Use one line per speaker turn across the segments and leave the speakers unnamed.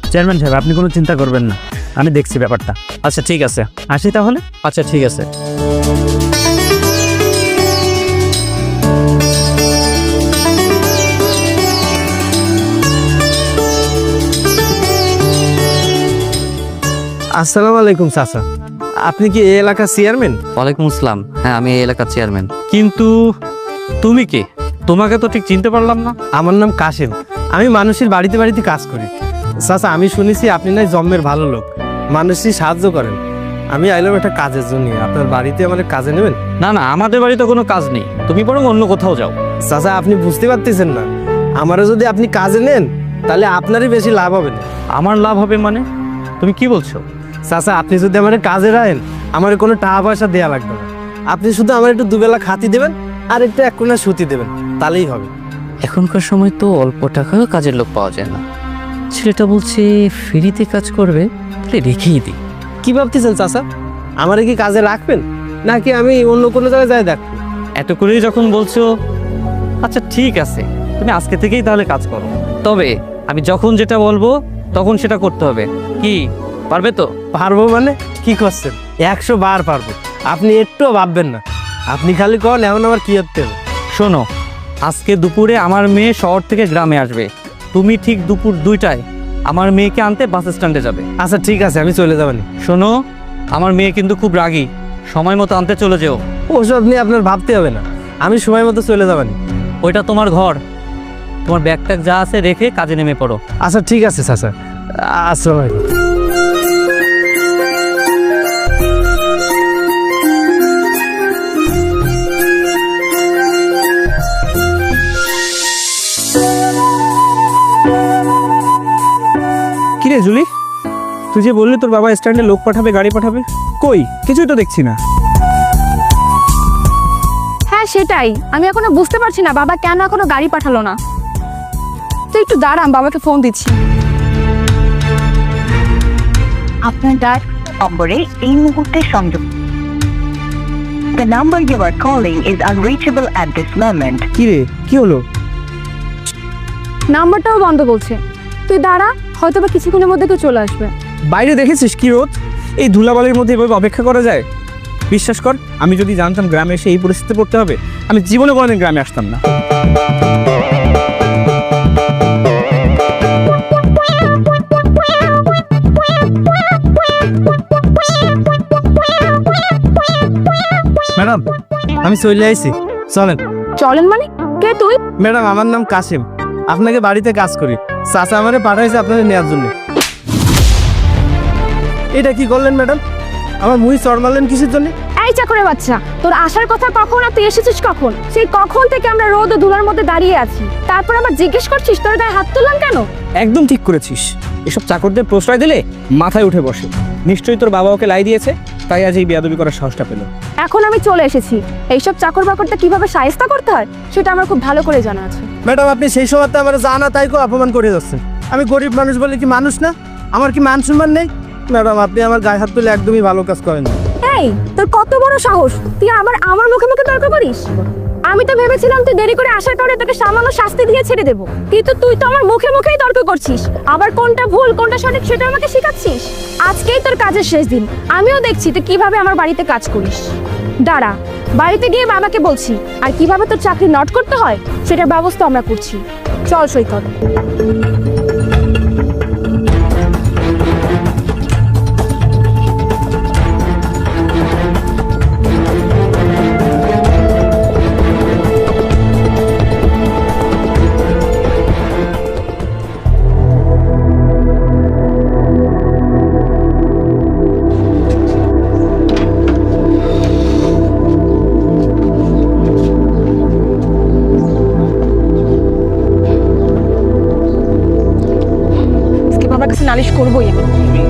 Chairman সাহেব, আপনি কোনো চিন্তা করবেন না, আমি দেখছি ব্যাপারটা।
আচ্ছা ঠিক আছে,
আসি তাহলে।
আচ্ছা ঠিক আছে।
আসসালামু আলাইকুম চাচা, আপনি কি এই এলাকার চেয়ারম্যান?
ওয়ালাইকুম আসসালাম। হ্যাঁ, আমি এই এলাকার চেয়ারম্যান।
কিন্তু তুমি কে? তোমাকে তো ঠিক চিনতে পারলাম না।
আমার নাম কাশেম, আমি মানুষের বাড়িতে বাড়িতে কাজ করি। চাচা, আমি শুনেছি আপনি নাই জন্মের ভালো লোক, মানুষই সাহায্য করেন। আমি আইলাম একটা কাজের জন্য, আপনার বাড়িতে আমাদের কাজে নেবেন?
না না, আমাদের বাড়িতে কোনো কাজ নেই, তুমি বরং অন্য কোথাও যাও।
চাচা, আপনি বুঝতে পারতেছেন না, আমারও যদি আপনি কাজে নেন তাহলে আপনারই বেশি লাভ হবে না।
আমার লাভ হবে মানে? তুমি কি বলছো?
চাচা, আপনি যদি আমার কাজে রাখেন আমার কোনো টাকা পয়সা দেওয়া লাগবে না, আপনি শুধু আমার একটু দুবেলা খাতি দেবেন আর একটু এক কোণা সুতি দেবেন, তাহলেই হবে।
এখনকার সময় তো অল্প টাকাও কাজের লোক পাওয়া যায় না। ছেলেটা বলছে ফ্রিতে কাজ করবে, তাহলে রেখেই দিই।
কি ভাবতেছেন চাচা, আমারে কি কাজে রাখবেন নাকি আমি অন্য কোনো জায়গায় যাই দেখবো?
এত করেই যখন বলছো, আচ্ছা ঠিক আছে, তুমি আজকে থেকেই তাহলে কাজ করো। তবে আমি যখন যেটা বলবো তখন সেটা করতে হবে। কি পারবে তো?
পারবো মানে কি করছেন? 100 বার পারবো, আপনি একটুও ভাববেন না। আপনি খালি কন এমন আমার কি করতে হবে।
শোনো, আজকে দুপুরে আমার মেয়ে শহর থেকে গ্রামে আসবে, তুমি ঠিক দুপুর 2টায় আমার মেয়েকে আনতে বাস স্ট্যান্ডে যাবে।
আচ্ছা ঠিক আছে, আমি চলে যাবানি।
শোনো, আমার মেয়ে কিন্তু খুব রাগী, সময় মতো আনতে চলে যেও।
ওসব নিয়ে আপনার ভাবতে হবে না, আমি সময় মতো চলে যাবানি।
ওইটা তোমার ঘর, তোমার ব্যাগ ট্যাগ যা আছে রেখে কাজে নেমে পড়ো।
আচ্ছা ঠিক আছে চাচা, আসসালামু আলাইকুম।
কিরে জুলি, তুই যে বললি তোর বাবা স্ট্যান্ডে লোক পাঠাবে, গাড়ি পাঠাবে, কই কিছুই তো দেখছি না।
হ্যাঁ সেটাই, আমি এখনো বুঝতে পারছি না বাবা কেন এখনো গাড়ি পাঠালো না। তুই একটু দাঁড়ান, বাবাকে ফোন দিচ্ছি।
আপনার ডায়াল নম্বরে এই মুহূর্তে সংযোগ। The number you are calling is unreachable at this moment.
কিরে কি হলো?
নাম্বারটাও বন্ধ বলছে। তুই দাঁড়া, হয়তো বা কিছুক্ষণের মধ্যে কেউ চলে আসবে।
বাইরে দেখেছিস কি রোদ, এই ধুলাবালির মধ্যে এভাবে অপেক্ষা করা যায়? বিশ্বাস কর, আমি যদি জানতাম গ্রামে এসে এই পরিস্থিতিতে পড়তে হবে, আমি জীবনে কোনোদিন গ্রামে আসতাম না।
ম্যাডাম, আমি চলে আইছি, চলেন।
চলেন মানে? কে তুই?
ম্যাডাম, আমার নাম কাসিম, আপনাকে বাড়িতে কাজ করি। চাচা আমারে পাঠাইছে আপনাদের নেওয়ার জন্য। এটা কি করলেন ম্যাডাম? আমার মুই চড় মারলেন কিসের জন্য?
এই চাকরের বাচ্চা, তোর আসার কথা কখন আর তুই এসেছিস কখন? সেই কখন থেকে আমরা রোদ ও ধুলার মধ্যে দাঁড়িয়ে আছি, তারপর আবার জিজ্ঞেস করছিস তোর গায়ে হাত তুললাম কেন?
একদম ঠিক করেছিস, এসব চাকরদের প্রশ্রয় দিলে মাথায় উঠে বসে। নিশ্চয়ই তোর বাবা ওকে লাই দিয়েছে, তাই আজ এই বেয়াদবি করার সাহসটা পেল।
এখন আমি চলে এসেছি, এইসব চাকর বাকরটা কিভাবে শায়েস্তা করতে হয় সেটা আমার খুব ভালো করে জানা আছে।
ম্যাডাম, আপনি সেই সময়তে আমার জানা তাই অপমান করে যাচ্ছেন। আমি গরিব মানুষ বলে কি মানুষ না? আমার কি মান সম্মান নেই? ম্যাডাম, আপনি আমার গায়ে হাত তুলে একদমই ভালো কাজ করেন না।
এই, তোর কত বড় সাহস, তুই আমার মুখে মুখে তর্ক করিস? আমি তো ভেবেছিলাম তুই দেরি করে আসার কারণে তোকে সামান্য শাস্তি দিয়ে ছেড়ে দেবো, কিন্তু তুই তো আমার মুখে মুখেই তর্ক করছিস। আবার কোনটা ভুল কোনটা সঠিক সেটা আমাকে শেখাচ্ছিস। আজকেই তোর কাজের শেষ দিন, আমিও দেখছি তুই কিভাবে আমার বাড়িতে কাজ করিস। দাঁড়া, বাড়িতে গিয়ে বাবাকে বলছি, আর কিভাবে তোর চাকরি নট করতে হয় সেটার ব্যবস্থা আমরা করছি। চল সৈকত। বাবার কাছে নালিশ করবোই আমি।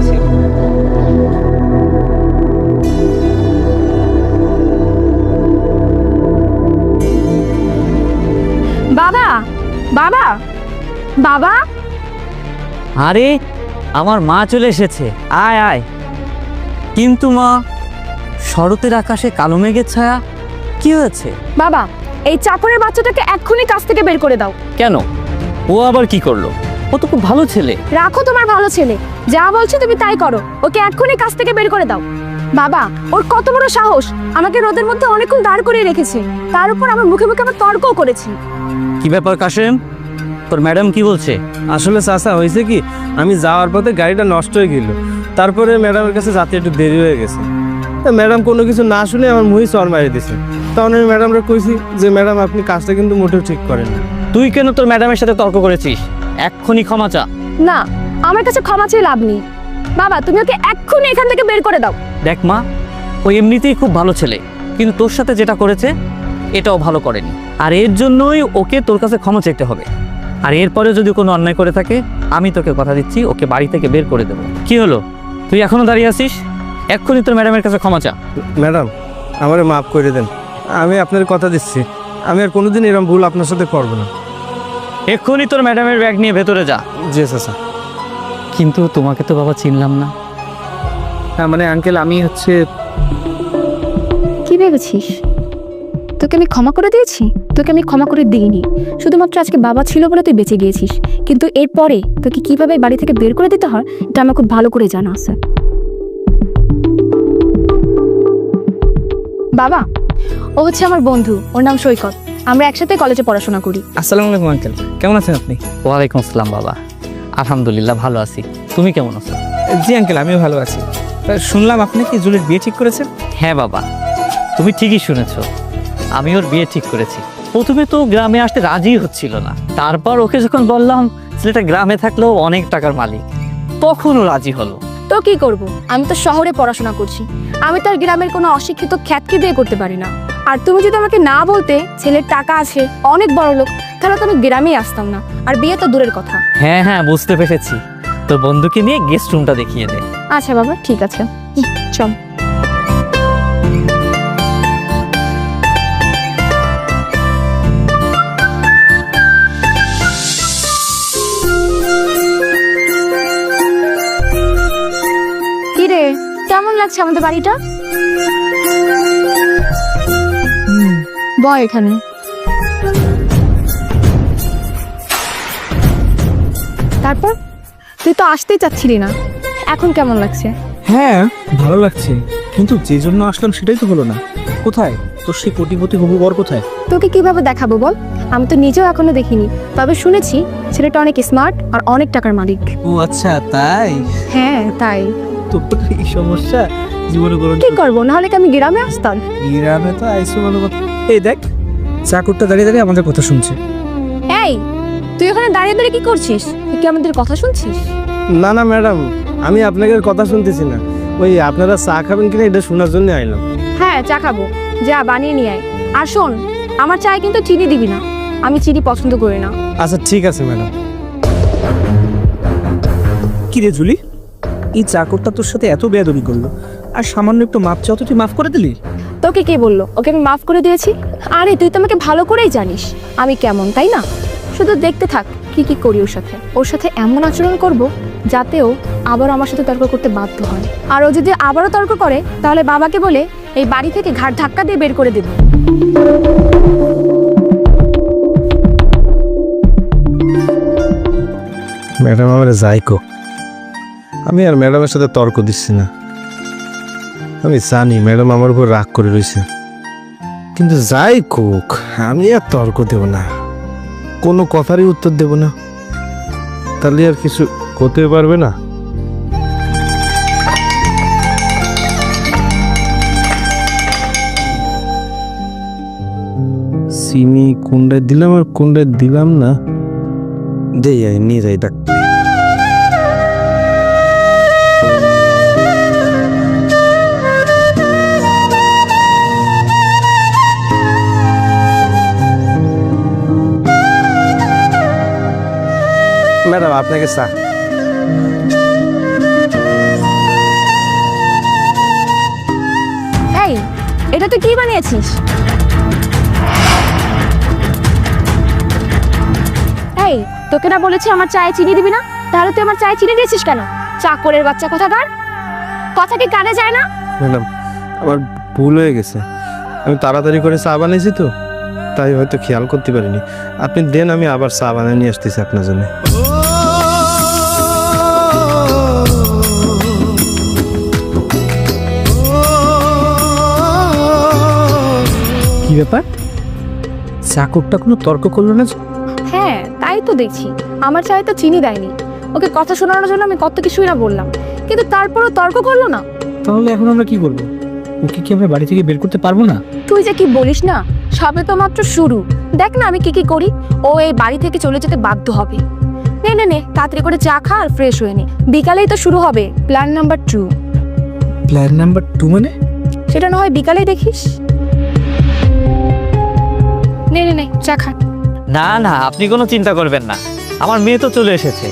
বাবা, বাবা, বাবা।
আরে আমার মা চলে এসেছে, আয় আয়। কিন্তু মা, শরতের আকাশে কালো মেঘের ছায়া, কি হয়েছে?
বাবা, এই চাকরের বাচ্চাটাকে এক্ষুনি কাজ থেকে বের করে দাও।
কেন, ও আবার কি করলো? ও তো খুব ভালো ছেলে।
রাখো তোমার ভালো ছেলে, যা বলছি তুমি তাই করো। ওকে এক্ষুনি কাজ থেকে বের করে দাও। বাবা, ওর কত বড় সাহস, আমাকে রোদের মধ্যে অনেকক্ষণ দাঁড় করিয়ে রেখেছে, তার উপর আমার মুখে মুখে আমার তর্কও করেছি।
কি ব্যাপার কাশেম, তোর ম্যাডাম কি বলছে?
আসলে চাচা হয়েছে কি, আমি যাওয়ার পথে গাড়িটা নষ্ট হয়ে গেল, তারপরে ম্যাডামের কাছে যাতে একটু দেরি হয়ে গেছে। তা ম্যাডাম কোনো কিছু না শুনে আমার মুহি চর মারি দিছে। তখন আমি ম্যাডামরা কইছি যে ম্যাডাম আপনি কাজটা কিন্তু মোটেও ঠিক করেন না।
তুই কেন তোর ম্যাডামের সাথে তর্ক করেছিস? এক্ষুনি ক্ষমা চা।
না, আমার কাছে ক্ষমা চেয়ে লাভ নেই। বাবা, তুমি ওকে এক্ষুনি এখান থেকে বের করে দাও।
দেখ মা, ও এমনিতেই খুব ভালো ছেলে, কিন্তু তোর সাথে যেটা করেছে এটাও ভালো করেনি, আর এর জন্যই ওকে তোর কাছে ক্ষমা চাইতে হবে। আর এরপরেও যদি কোনো অন্যায় করে থাকে, আমি তোকে কথা দিচ্ছি ওকে বাড়ি থেকে বের করে দেবো। কি হলো, তুই এখনো দাঁড়িয়ে আছিস? এক্ষুনি তোর ম্যাডামের কাছে ক্ষমা চা।
ম্যাডাম, আমারে মাফ করে দেন, আমি আপনার কথা দিচ্ছি আমি আর কোনোদিন এরকম ভুল আপনার সাথে করবো না।
এক্ষুনি তোর ম্যাডামের ব্যাগ নিয়ে ভেতরে যা।
জি চাচা।
কিন্তু তোমাকে তো বাবা চিনলাম না।
হ্যাঁ মানে আঙ্কেল, আমি হচ্ছে
কি ভেবেছিস তোকে আমি ক্ষমা করে দিয়েছি? তোকে আমি ক্ষমা করে দিইনি, শুধুমাত্র আজকে বাবা ছিল বলে তুই বেঁচে গিয়েছিস, কিন্তু এরপরে তোকে কিভাবে বাড়ি থেকে বের করে দিতে হয় এটা আমার খুব ভালো করে জানা আছে। বাবা, ও হচ্ছে আমার বন্ধু, ওর নাম সৈকত, আমরা একসাথে কলেজে পড়াশোনা করি।
আসসালামু আলাইকুম আঙ্কেল, কেমন আছেন আপনি?
ওয়ালাইকুম আসসালাম বাবা, আলহামদুলিল্লাহ ভালো আছি। তুমি কেমন আছো?
জি আঙ্কেল, আমিও ভালো আছি। তা শুনলাম আপনি কি জুলির বিয়ে ঠিক করেছেন?
হ্যাঁ বাবা, তুমি ঠিকই শুনেছো, আমি ওর বিয়ে ঠিক করেছি। প্রথমে তো গ্রামে আসতে রাজি হচ্ছিল না, তারপর ওকে যখন বললাম ছেলেটা গ্রামে থাকলেও অনেক টাকার মালিক, তখন ও রাজি হলো।
তো কি করব, আমি তো শহরে পড়াশোনা করছি, আমি তো আর গ্রামের কোনো অশিক্ষিত খ্যাতকে বিয়ে করতে পারি না। আর তুমি যদি আমাকে না বলতে ছেলের টাকা আছে, অনেক বড় লোক, তাহলে তো আমি গ্রামেই আসতাম না, আর বিয়ে তো দূরের কথা।
হ্যাঁ হ্যাঁ, বুঝতে পেরেছি। তোর বন্ধুকে নিয়ে গেস্ট রুমটা দেখিয়ে দে।
আচ্ছা বাবা, ঠিক আছে, চল। কিরে, কেমন লাগছে আমাদের বাড়িটা? বয় এখানে। তারপর তুই তো আসতেই চাচ্ছিলি না, এখন কেমন লাগছে?
হ্যাঁ ভালো লাগছে, কিন্তু যে জন্য আসলাম সেটাই তো হলো না। কোথায় তোর সেই কোটিপতি হবু বর কোথায়?
তোকে কিভাবে দেখাবো বল, আমি তো নিজেও এখনো দেখিনি, তবে শুনেছি ছেলেটা অনেক স্মার্ট আর অনেক টাকার মালিক।
ও আচ্ছা, তাই?
হ্যাঁ তাই।
তোর এই সমস্যা জীবনে কোনো
কি করবো, নাহলে কি আমি গ্রামে আসতাম?
গ্রামে তো আইসো ভালো কথা। এই দেখ, চাকরটা দাঁড়িয়ে দাঁড়িয়ে আমাদের কথা শুনছে।
এই, তুই ওখানে দাঁড়িয়ে দাঁড়িয়ে কি করছিস? তুই কি আমাদের কথা শুনছিস?
না না ম্যাডাম, আমি আপনাদের কথা শুনতেছি না, ওই আপনারা চা খাবেন কিনা এটা শোনার জন্য আইলাম।
হ্যাঁ, চা খাবো, যা বানিয়ে নিয়ে আয়। আর শোন, আমার চায়ে কিন্তু চিনি দিবি না, আমি চিনি পছন্দ করি না।
আচ্ছা ঠিক আছে ম্যাডাম।
কি রে জুলি, এই চাকরটা তোর সাথে এত বেয়াদবি করলো, আর সামান্য একটু মাপ চাও তো তুই মাফ করে দিলি?
তোকে কে বললো ওকে আমি মাফ করে দিয়েছি? আরে তুই তো আমাকে ভালো করেই জানিস আমি কেমন, তাই না? শুধু দেখতে থাক কি কি করি ওর সাথে এমন আচরণ করব যাতে ও আবার আমার সাথে তর্ক করতে বাধ্য হয়। আর ও যদি আবারও তর্ক করে তাহলে বাবাকে বলে এই বাড়ি থেকে ঘাট ধাক্কা দিয়ে বের করে দেব।
ম্যাডাম আমার যাই কো, আমি আর ম্যাডামের সাথে তর্ক দিচ্ছি না। আমি জানি ম্যাডাম আমার উপর রাগ করে রয়েছে, কিন্তু যাই কোক আমি আর তর্ক দেব না, কোনো কথারই উত্তর দেব না, তাহলে আর কিছু করতে পারবে না। চিনি কোনটায় দিলাম আর কোনটায় দিলাম না, দেই নিয়ে যাই ডাক। ম্যাডাম আপনাকে চা।
এই, এটা তুই কি বানিয়েছিস? এই, তোকে না বলেছি আমার চায়ে চিনি দিবি না, তাহলে তুই আমার চায়ে চিনি দিয়েছিস কেন? চাকরের বাচ্চা কোথাকার, কথা কি কানে যায় না?
ম্যাডাম আমার ভুল হয়ে গেছে, আমি তাড়াতাড়ি করে চা বানিয়েছি তো, তাই হয়তো খেয়াল করতে পারিনি। আপনি দেন, আমি আবার চা বানিয়ে নিয়ে আসতেছি আপনার জন্য।
ব্যাপার, চাকরটা কোনো তর্ক করলো না?
হ্যাঁ তাই তো দেখছি, আমার চায়ে তো চিনি দেয়নি। ওকে কথা শোনানোর জন্য আমি কত কিছুই না বললাম, কিন্তু তারপরও তর্ক করলো না।
তাহলে এখন আমরা কি করবো? ওকে কি আমরা বাড়ি থেকে বের করতে পারবো না?
তুই যে কি বলিস না, সবে তো মাত্র শুরু। দেখ না আমি কি করি। ও এই বাড়ি থেকে চলে যেতে বাধ্য হবে। নে নে নে, তাড়াতাড়ি করে চা খা আর ফ্রেশ হয়ে নে, বিকালেই তো শুরু হবে প্ল্যান নাম্বার 2।
প্ল্যান নাম্বার 2 মানে?
সেটা না হয় বিকালেই দেখিস। নে নে নে, চা খা।
না না, আপনি কোনো চিন্তা করবেন না, আমার মেয়ে তো চলে এসেছে।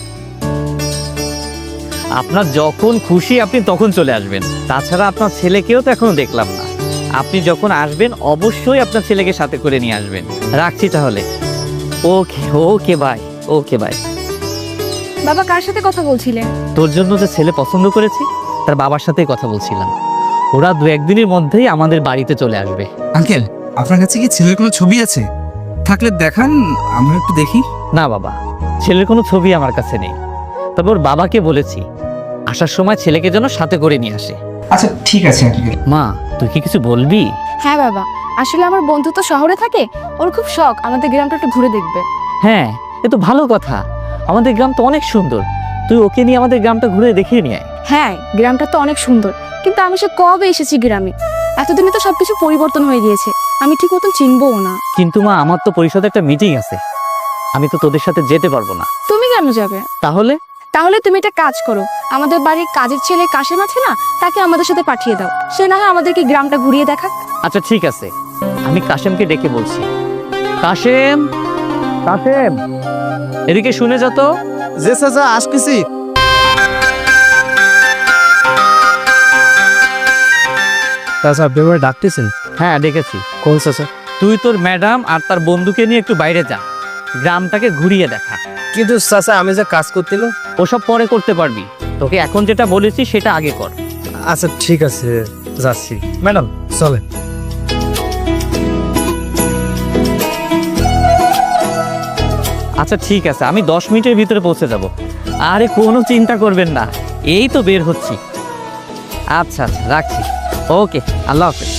আপনার যখন খুশি আপনি তখন চলে আসবেন। তাছাড়া আপনার ছেলেকেও তো এখনো দেখলাম না। আপনি যখন আসবেন অবশ্যই আপনার ছেলেকে সাথে করে নিয়ে আসবেন। রাখছি তাহলে। Okay okay bye, okay bye.
বাবা কার সাথে কথা বলছিলেন?
তোর জন্য যে ছেলে পছন্দ করেছি তার বাবার সাথেই কথা বলছিলাম। ওরা 2-1 দিনের মধ্যেই আমাদের বাড়িতে চলে আসবে।
আঙ্কেল, আপনার কাছে কি ছেলের কোনো ছবি আছে? থাকলে দেখান, আমরা একটু দেখি।
না বাবা, ছেলের কোনো ছবি আমার কাছে নেই। তবে ওর বাবাকে বলেছি আসার সময় ছেলেকে যেন সাথে করে নিয়ে আসে।
আচ্ছা ঠিক আছে আঙ্কেল।
মা, তুই কি কিছু বলবি?
হ্যাঁ বাবা, আসলে আমার বন্ধু তো শহরে থাকে, ওর খুব শখ আমাদের গ্রামটা একটু ঘুরে দেখবে।
হ্যাঁ, এ তো ভালো কথা। আমাদের গ্রাম তো অনেক সুন্দর, তুই ওকে নিয়ে আমাদের গ্রামটা ঘুরে দেখিয়ে নিয়ে আয়।
হ্যাঁ, গ্রামটা তো অনেক সুন্দর, কিন্তু আমি সে কবে এসেছি গ্রামে। এতদিনে তো সবকিছু পরিবর্তন হয়ে গিয়েছে, আমি ঠিক মতন চিনবও না।
কিন্তু মা, আমার তো পরিষদে একটা মিটিং আছে, আমি তো তোদের সাথে যেতে পারবো না।
তুমি কেন যাবে?
তাহলে?
তাহলে তুমি একটা কাজ করো, আমাদের বাড়ির কাজের ছেলে কাশেম আছে না, তাকে আমাদের সাথে পাঠিয়ে দাও। সে না হয় আমাদেরকে গ্রামটা ঘুরিয়ে দেখাক।
আচ্ছা ঠিক আছে, আমি কাশেমকে ডেকে বলছি। কাশেম, কাশেম, এদিকে শুনে যা তো।
যে চাচা আসতেছি। চাচা আপনি আমার ডাকতেছেন?
হ্যাঁ ডেকেছি।
কোন চাচা?
তুই তোর ম্যাডাম আর তার বন্ধুকে নিয়ে একটু বাইরে যা, গ্রামটাকে ঘুরিয়ে দেখা।
কিন্তু চাচা আমি যে কাজ করছিল।
ওসব পরে করতে পারবি, তোকে এখন যেটা বলেছি সেটা আগে কর।
আচ্ছা ঠিক আছে, যাচ্ছি। ম্যাডাম চলেন।
আচ্ছা ঠিক আছে, আমি 10 মিনিটের ভিতরে পৌঁছে যাব। আরে কোনো চিন্তা করবেন না, এই তো বের হচ্ছি। আচ্ছা আচ্ছা, রাখছি। ওকে, আল্লাহ হাফেজ।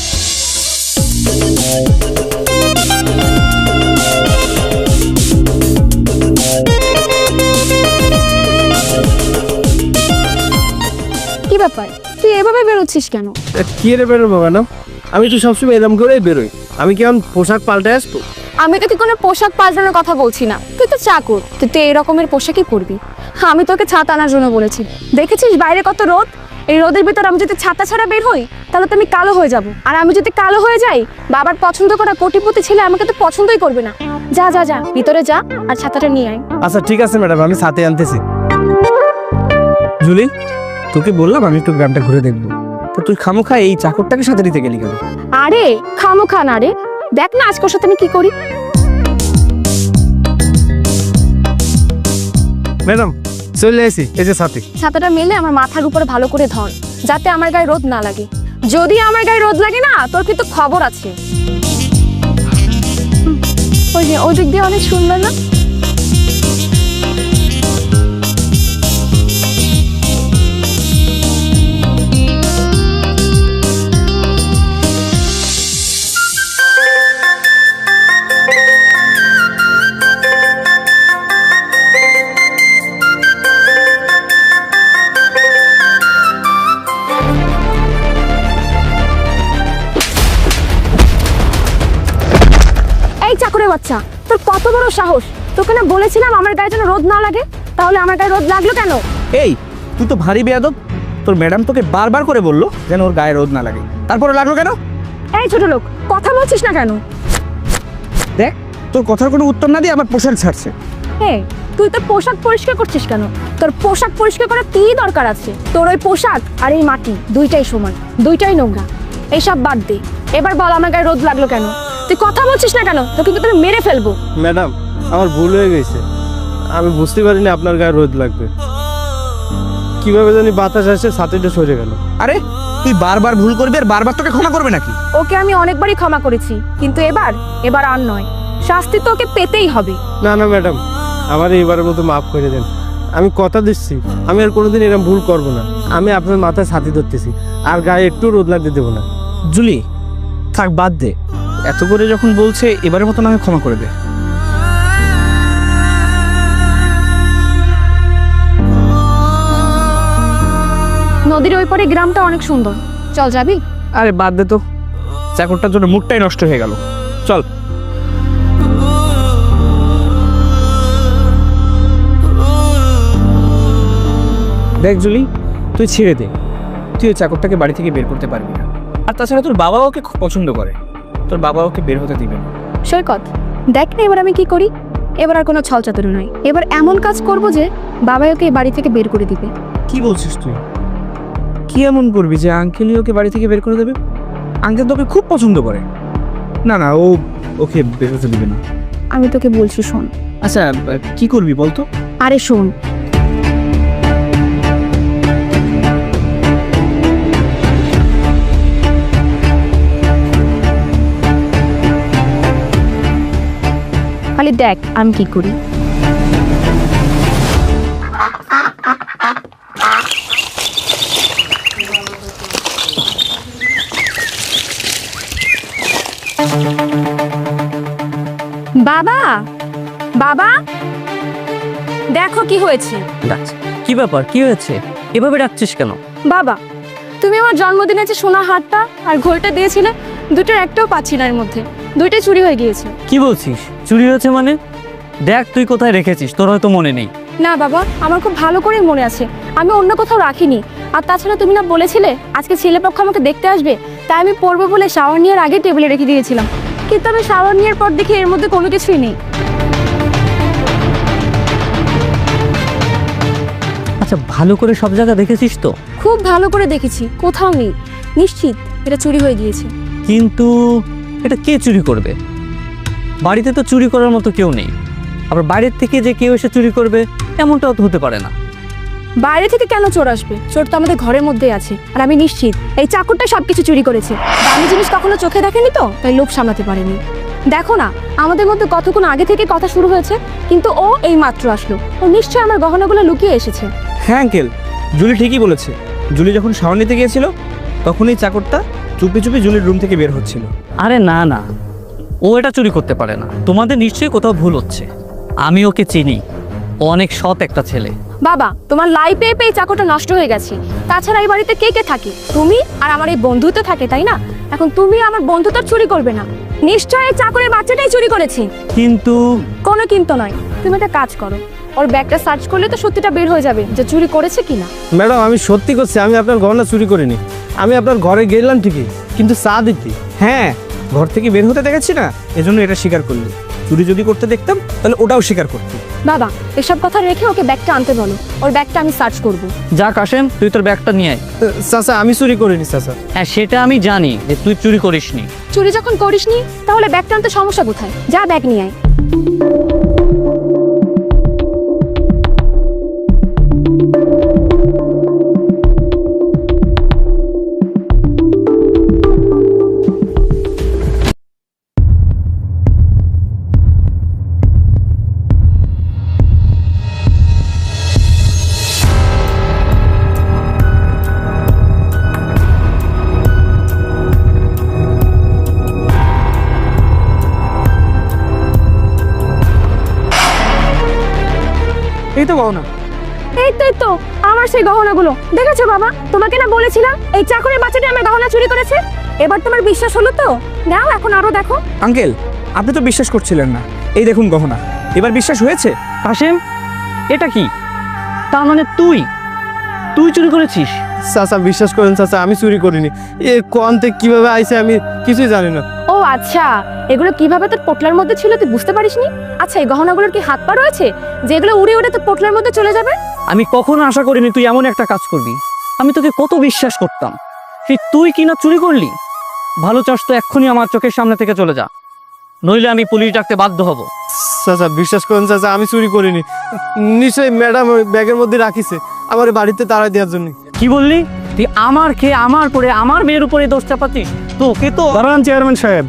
কি ব্যাপার, তুই এভাবে বেরোচ্ছিস কেন?
কি রে বেরোবো ম্যাডাম? আমি তো সবসময় এরকম করেই বেরোই। আমি কেমন পোশাক পাল্টে আসবো?
আমি তোকে কোনো পোশাক পাল্টানোর কথা বলছি না, তুই তো চাকর, তুই তো এই রকমের পোশাকই পরবি। আমি তোকে ছাতা আনার জন্য বলেছি। দেখেছিস বাইরে কত রোদ, এই রোদের ভিতর আমি যদি ছাতা ছাড়া বের হই তাহলে তো আমি কালো হয়ে যাব। আর আমি যদি কালো হয়ে যাই, বাবার পছন্দ করা কোটিপতি ছেলে আমাকে তো পছন্দই করবে না। যা যা যা, ভিতরে যা আর ছাতাটা নিয়ে আয়।
আচ্ছা ঠিক আছে ম্যাডাম, আমি সাথে আনতেছি।
জুলি, তোকে বললাম আমি একটু গ্রামটা ঘুরে দেখবো, তো তুই খামোখা এই চাকরটাকে সাথে নিতে গেলি কেন?
আরে খামোখা না রে, দেখ না আজকের সাথে আমি কি করি।
ম্যাডাম চলে আসি, এই যে সাথে।
ছাতাটা মেলে আমার মাথার উপরে ভালো করে ধর, যাতে আমার গায়ে রোদ না লাগে। যদি আমার গায়ে রোদ লাগে না, তোর কিন্তু খবর আছে। ওই যে ওই দিক দিয়ে অনেক সুন্দর না? এই চাকরের বাচ্চা, তোর কত বড় সাহস! তোকে না বলেছিলাম আমার গায়ে যেন রোদ না লাগে, তাহলে আমার গায়ে রোদ লাগলো কেন?
এই তুই তো ভারী বেয়াদব। তোর ম্যাডাম তোকে বারবার করে বললো যেন ওর গায়ে রোদ না লাগে, তারপরে লাগলো কেন?
এই ছোট লোক, কথা বলছিস না কেন?
দেখ, তোর কথার কোনো উত্তর না দিয়ে আমার পোশাক ছাড়ছে।
এই তুই তোর পোশাক পরিষ্কার করছিস কেন? তোর পোশাক পরিষ্কার করার কি দরকার আছে? তোর ওই পোশাক আর এই মাটি দুইটাই সমান, দুইটাই নোংরা। এইসব বাদ দে, এবার বল আমার গায়ে রোদ লাগলো কেন? তুই কথা বলছিস না কেন? তোকে কিন্তু আমি মেরে ফেলবো।
ম্যাডাম আমার ভুল হয়ে গেছে, আমি বুঝতে পারিনি আপনার গায়ে রোদ লাগবে। কিভাবে জানি বাতাস আসে, ছাতিটা সরে গেল।
আরে তুই বারবার ভুল করবি আর বারবার তোকে ক্ষমা করবে নাকি?
ওকে আমি অনেকবারই ক্ষমা করেছি, কিন্তু এবার আর নয়। শাস্তি তো ওকে পেতেই হবে।
না না ম্যাডাম, আমার এইবারের মতো মাফ করে দেন। আমি কথা দিচ্ছি আমি আর কোনোদিন এরকম ভুল করব না। আমি আপনার মাথায় ছাতি ধরতেছি, আর গায়ে একটু রোদ লাগতে দেবো না।
জুলি থাক, বাদ দে, এত করে যখন বলছে এবারের মতন আমি ক্ষমা করে দে।
নদীর ওই পারে গ্রামটা অনেক সুন্দর, চল যাবি?
আরে বাদ দে তো, চাকরটার জন্য মুডটাই নষ্ট হয়ে গেল। চল। দেখ জুলি, তুই ছেড়ে দে, তুই ওই চাকরটাকে বাড়ি থেকে বের করতে পারবি না। আর তাছাড়া তোর বাবা ওকে খুব পছন্দ করে, তোর বাবা ওকে বের হতে দিবে না।
সৈকত, দেখ না এবার আমি কি করি। এবার আর কোনো ছল চাতুরি নয়, এবার এমন কাজ করব যে বাবাই ওকে এই বাড়ি থেকে বের করে দিবে।
কি বলছিস তুই? কি এমন করবি যে আঙ্কেলই ওকে বাড়ি থেকে বের করে দেবে? আঙ্কেল তোকে খুব পছন্দ করে। না না, ও ওকে বের হতে দিবে না।
আমি তোকে বলছি শোন।
আচ্ছা, কি করবি বলতো?
আরে শোন, খালি দেখ আমি কি করি। বাবা, বাবা, দেখো কি হয়েছে।
ডাকছে কি ব্যাপার, কি হয়েছে? এভাবে ডাকছিস কেন?
বাবা, তুমি আমার জন্মদিনে যে সোনা হারটা আর ঘড়িটা দিয়েছিলে, দুটোর একটাও পাচ্ছি না, এর মধ্যে দুইটাই চুরি হয়ে গিয়েছে।
কি বলছিস? চুরি হয়েছে মানে? দেখ তুই কোথায় রেখেছিস, তোর হয়তো মনে নেই।
না বাবা, আমার খুব ভালো করেই মনে আছে, আমি অন্য কোথাও রাখিনি। আর তাছাড়া তুমি না বলেছিলে আজকে ছেলেপক্ষ আমাকে দেখতে আসবে, তাই আমি পড়বো বলে শাওয়ার নেওয়ার আগে টেবিলে রেখে দিয়েছিলাম। কিন্তু আমি শাওয়ার নেওয়ার পর দেখি এর মধ্যে কোনো কিছুই নেই।
আচ্ছা, ভালো করে সব জায়গা দেখেছিস তো?
খুব ভালো করে দেখেছি, কোথাও নেই। নিশ্চিত এটা চুরি হয়ে গিয়েছে।
কিন্তু এটা কে চুরি করবে? বাড়িতে তো চুরি করার মতো কেউ নেই, আবার বাইরের থেকে যে কেউ এসে চুরি করবে এমনটাও তো হতে পারে না।
বাইরে থেকে কেন চোর আসবে? চোর তো আমাদের ঘরের মধ্যেই আছে। আর আমি নিশ্চিত এই চাকরটা সবকিছু চুরি করেছে। দামি জিনিস কখনো চোখে দেখেনি তো, তাই লোভ সামলাতে পারেনি। দেখো না, আমাদের মধ্যে কতক্ষণ আগে থেকে কথা শুরু হয়েছে, কিন্তু ও এই মাত্র আসলো। ও নিশ্চয়ই আমার গহনাগুলো লুকিয়ে এসেছে।
হ্যাঁ আঙ্কেল, জুলি ঠিকই বলেছে। জুলি যখন শাওয়ার নিতে গিয়েছিল তখন এই চাকরটা চুপি চুপি জুলির রুম থেকে বের হচ্ছিল।
আরে না না, ও এটা চুরি করতে পারে না। তোমাদের নিশ্চয়ই কোথাও ভুল হচ্ছে। আমি ওকে চিনি, ও অনেক সৎ একটা ছেলে।
বাবা, তোমার লাই পেয়ে পেয়ে চাকরটা নষ্ট হয়ে গেছে। তাছাড়া এই বাড়িতে কে কে থাকে? তুমি আর আমার এই বন্ধু তো থাকে, তাই না? এখন তুমি আমার বন্ধু তো চুরি করবে না। নিশ্চয়ই এই চাকরের বাচ্চাটাই চুরি করেছে।
কিন্তু
কোনো কিন্তু নয়, তুমি একটা কাজ করো, ওর ব্যাগটা সার্চ করলে তো সত্যিটা বের হয়ে যাবে যে চুরি করেছে কিনা।
ম্যাডাম, আমি সত্যি করছি, আমি আপনার গহনা চুরি করিনি। আমি আপনার ঘরে গেলাম ঠিকই, কিন্তু চা দিতে।
হ্যাঁ, ঘর থেকে বের হতে দেখেছি না, এজন্য এটা স্বীকার করলি। চুরি যদি করতে দেখতাম তাহলে ওটাও স্বীকার করতি।
বাবা, এসব কথা রেখে ওকে ব্যাগটা আনতে বলো, ওর ব্যাগটা আমি সার্চ করব।
যা কাশেম, তুই তোর ব্যাগটা নিয়ে আয়।
চাচা, আমি চুরি করিনি চাচা।
হ্যাঁ, সেটা আমি জানি যে তুই চুরি করিসনি।
চুরি যখন করিসনি তাহলে ব্যাগটা আনতে সমস্যা কোথায়? যা ব্যাগ নিয়ে আয়।
এই তো গহনা।
এই তো আমার সেই গহনাগুলো। দেখেছো বাবা, তোমাকে না বলেছিলাম এই চাকরের বাচ্চাটা আমার গহনা চুরি করেছে। এবার তোমার বিশ্বাস হলো তো? নাও এখন আরো দেখো।
আঙ্কেল, আপনি তো বিশ্বাস করছিলেন না, এই দেখুন গহনা। এবার বিশ্বাস হয়েছে?
কাশেম, এটা কি? তার মানে তুই তুই চুরি করেছিস?
চাচা বিশ্বাস করেন চাচা, আমি চুরি করিনি। এ কোয়ান্তে কিভাবে আইছে আমি কিছুই জানি না।
ও আচ্ছা, এগুলো কিভাবে তোর পোটলার মধ্যে ছিল তুই বুঝতে পারিসনি? আচ্ছা, এই গহনাগুলোর কি হাত পা রয়েছে যেগুলো উড়ে উড়ে তোর পোটলার মধ্যে চলে যাবে?
আমি কখনো আশা করিনি তুই এমন একটা কাজ করবি। আমি তোকে কত বিশ্বাস করতাম, তুই কিনা চুরি করলি। ভালো চাস তো এক্ষুনি আমার চোখের সামনে থেকে চলে যা, নইলে আমি পুলিশ ডাকতে বাধ্য হব।
চাচা বিশ্বাস করেন চাচা, আমি চুরি করিনি। নিশ্চয়ই ম্যাডাম ওই ব্যাগের মধ্যে রাখিছে আমার বাড়িতে তাড়া দেওয়ার জন্য।
কি বললি? তুই আমার খেয়ে আমার পরে আমার মেয়ের উপরে দোষ চাপাতিস? তোকে তো।
দাঁড়ান চেয়ারম্যান সাহেব।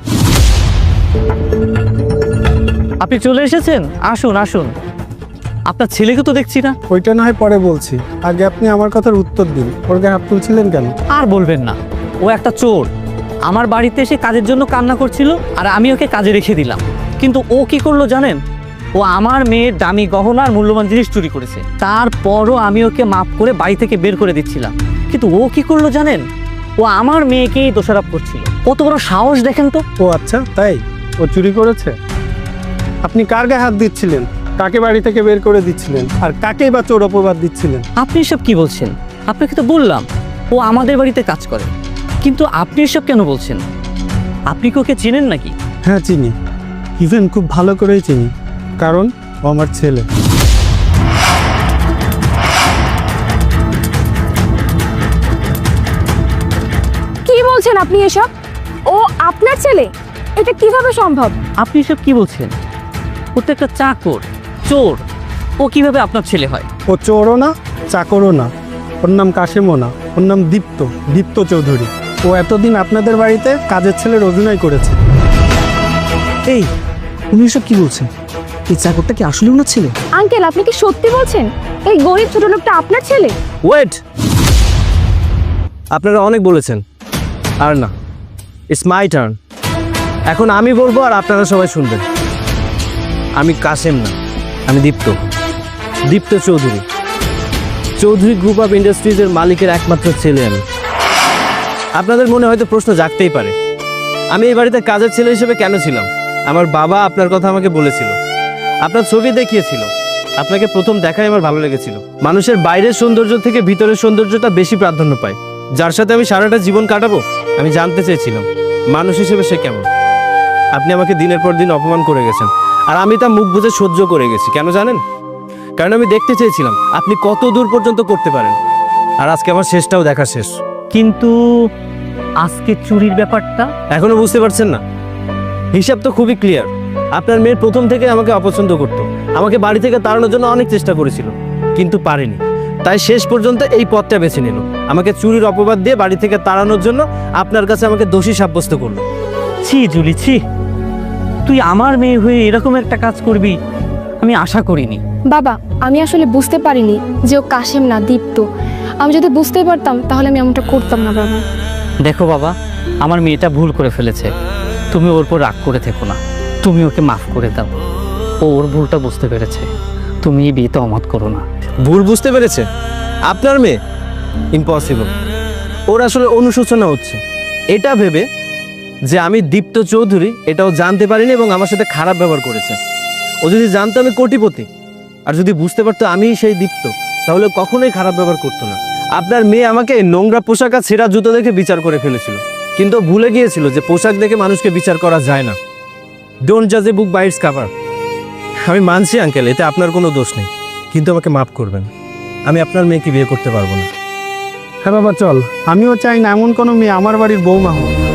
আপনি চলে এসেছেন, আসুন আসুন। আপনার ছেলেকে তো দেখছি না।
ওইটা না হয় পরে বলছি, আগে আপনি আমার কথার উত্তর দিন। ওর গায়ে হাত তুলছিলেন কেন?
আর বলবেন না, ও একটা চোর। আমার বাড়িতে এসে কাজের জন্য কান্না করছিল আর আমি ওকে কাজে রেখে দিলাম। কিন্তু ও কি করলো জানেন? ও আমার মেয়ের দামি গহনা আর মূল্যবান জিনিস চুরি করেছে। তারপরও আমি ওকে মাফ করে বাড়ি থেকে বের করে দিচ্ছিলাম। কিন্তু ও কি করলো জানেন? ও আমার মেয়েকেই দোষারোপ করছিল। কত বড় সাহস দেখেন তো।
ও আচ্ছা, তাই ও চুরি করেছে? আপনি কার গায়ে হাত দিচ্ছিলেন? কাকে বাড়ি থেকে বের করে দিচ্ছিলেন? আর কাকেই বা চোর অপবাদ দিচ্ছিলেন?
আপনি এসব কি বলছেন? আপনাকে তো বললাম ও আমাদের বাড়িতে কাজ করে, কিন্তু আপনি এসব কেন বলছেন? আপনি কি ওকে চেনেন নাকি?
হ্যাঁ চিনি, ইভেন খুব ভালো করেই চিনি, কারণ ও আমার ছেলে।
কি বলছেন আপনি এসব? ও আপনার ছেলে? এটা কিভাবে সম্ভব?
আপনি এসব কি বলছেন? ও তো একটা চাকর, চোর। ও কিভাবে আপনার ছেলে হয়?
ও চোরও না, চাকরও না, ওর নাম কাশেমও না, ওর নাম দীপ্ত চৌধুরী। ও এতদিন আপনাদের বাড়িতে কাজের ছেলের অভিনয় করেছে।
এই উনি এসব কি বলছেন? এই চাকরটা কি আসলে ওনার ছেলে?
আঙ্কেল, আপনি কি সত্যি বলছেন এই গরিব ছোট লোকটা আপনার ছেলে?
ওয়েট, আপনারা অনেক বলেছেন, আর না, ইটস মাই টার্ন। এখন আমি বলবো আর আপনারা সবাই শুনবেন। আমি কাশেম না, আমি দীপ্ত চৌধুরী। চৌধুরী গ্রুপ অফ ইন্ডাস্ট্রিজের মালিকের একমাত্র ছেলে আমি। আপনাদের মনে হয়তো প্রশ্ন জাগতেই পারে, আমি এই বাড়িতে কাজের ছেলে হিসেবে কেন ছিলাম? আমার বাবা আপনার কথা আমাকে বলেছিল, আপনার ছবি দেখিয়েছিল। আপনাকে প্রথম দেখাই আমার ভালো লেগেছিল। মানুষের বাইরের সৌন্দর্য থেকে ভিতরের সৌন্দর্যটা বেশি প্রাধান্য পায়। যার সাথে আমি সারাটা জীবন কাটাবো, আমি জানতে চেয়েছিলাম মানুষ হিসেবে সে কেমন। আপনি আমাকে দিনের পর দিন অপমান করে গেছেন, আর আমি তা মুখ বুজে সহ্য করে গেছি। কেন জানেন? কারণ আমি দেখতে চেয়েছিলাম আপনি কত দূর পর্যন্ত করতে পারেন। আর আজকে আমার শেষটাও দেখা শেষ।
কিন্তু আজকে চুরির ব্যাপারটা
এখনো বুঝতে পারছেন না? হিসাব তো খুবই ক্লিয়ার। আপনার মেয়ের প্রথম থেকে আমাকে অপছন্দ করতো, আমাকে বাড়ি থেকে তাড়ানোর জন্য অনেক চেষ্টা করেছিল, কিন্তু পারেনি। তাই শেষ পর্যন্ত এই পথটা বেছে নিল, আমাকে চুরির অপবাদ দিয়ে বাড়ি থেকে তাড়ানোর জন্য আপনার কাছে আমাকে দোষী সাব্যস্ত করলো।
ছি জুলি, ছি। তুই আমার মেয়ে হয়ে এরকম একটা কাজ করবি আমি আশা করিনি।
বাবা, আমি আসলে বুঝতে পারিনি যে ও কাশেম না, দীপ্ত। আমি যদি বুঝতে পারতাম তাহলে আমি এমনটা করতাম না বাবা।
দেখো বাবা, আমার মেয়েটা ভুল করে ফেলেছে। তুমি ওর উপর রাগ করে থেকো না, তুমি ওকে মাফ করে দাও। ও ওর ভুলটা বুঝতে পেরেছে। তুমি এই বিয়েতে অমত করো না।
ভুল বুঝতে পেরেছে আপনার মেয়ে? ইম্পসিবল। ওর আসলে অনুশোচনা হচ্ছে এটা ভেবে যে আমি দীপ্ত চৌধুরী এটাও জানতে পারিনি এবং আমার সাথে খারাপ ব্যবহার করেছে। ও যদি জানতো আমি কোটিপতি, আর যদি বুঝতে পারতো আমি সেই দীপ্ত, তাহলে কখনোই খারাপ ব্যবহার করতো না। আপনার মেয়ে আমাকে নোংরা পোশাক আর ছেঁড়া জুতো দেখে বিচার করে ফেলেছিল, কিন্তু ভুলে গিয়েছিল যে পোশাক দেখে মানুষকে বিচার করা যায় না। ডোন্ট জাজ a book by its cover. আমি মানছি আঙ্কেল, এতে আপনার কোনো দোষ নেই, কিন্তু আমাকে মাফ করবেন। আমি আপনার মেয়েকে বিয়ে করতে পারবো না।
হ্যাঁ বাবা চল, আমিও চাই না এমন কোনো মেয়ে আমার বাড়ির বৌমা হোক।